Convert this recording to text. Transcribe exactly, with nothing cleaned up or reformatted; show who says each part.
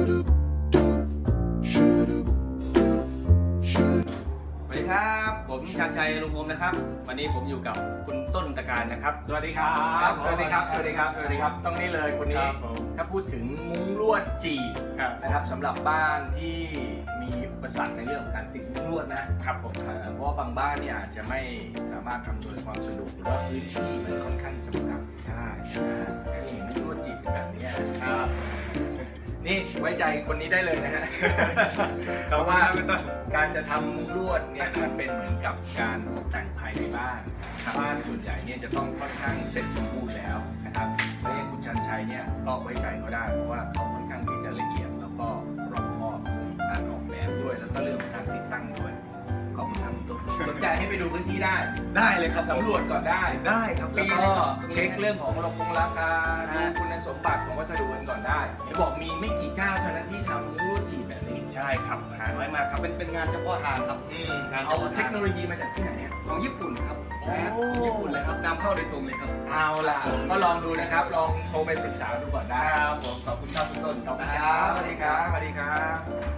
Speaker 1: สวัสดีครับผมชาญชัยลุงพรมนะครับวันนี้ผมอยู่กับคุณต้นตะการนะครับ
Speaker 2: สวัสดีครับสวัสดีครับสวัสดีครับสวัสดีครับต้องนี่เลยคนนี้ถ้าพูดถึงมุ้งลวดจีบนะครับสำหรับบ้านที่มีอุปสรรคในเรื่องของการติดมุ้งลวดนะครับผมเพราะว่าบางบ้านเนี่ยอาจจะไม่สามารถทำโดยความสะดวกหรือว่าพื้นที่มันค่อนข้างจำกัดใช่ใช่นี่มุ้งลวดจีบเป็นแบบนี้ครับนี่ไว้ใจคนนี้ได้เลยนะฮะเพราะว่าการจะทำมุ้งลวดเนี่ยมันเป็นเหมือนกับการตกแต่งภายในบ้านบ้านส่วนใหญ่เนี่ยจะต้องค่อนข้างเสร็จสมบูรณ์แล้วนะครับและอย่างคุณชันชัยเนี่ยก็ไว้ใจเขาได้เพราะว่าเขาค่อนข้างที่จะละเอียดแล้วก็รอบคอบในการออกแบบด้วยแล้วก็เรื่องของการติดตั้งด้วยขอบคุณครับตุ๊กสนใจให้ไปดูพื้นที่ได้
Speaker 1: ได้เลยครับ
Speaker 2: สำรวจก่อนได้
Speaker 1: ได้ครับ
Speaker 2: แล้วก็เช็คเรื่องของราคงราคาดูคุณสมบัติของวัสดุกันก่อนได้เห็นบอกมีไม่กี่เจ้าเท่านั้นที่ทำมุ้งลวดจีบแบบนี้
Speaker 1: ใช่ครับหาน้อยมากครับเป็นเป็นงานเฉพาะทางครับ
Speaker 2: งานเอาเทคโนโลยีมาจากที่ไหนเนี่ย
Speaker 1: ของญี่ปุ่นครับญี่ปุ่นเลยครับนำเข้าโดยตรงเลยครับ
Speaker 2: เอาล่ะก็ลองดูนะครับลองโทรไปปรึกษาดูก่อนได้
Speaker 1: ครับผมขอบคุณครับคุณต้นขอบคุณครับสวัสดีครับสวัสดีครับ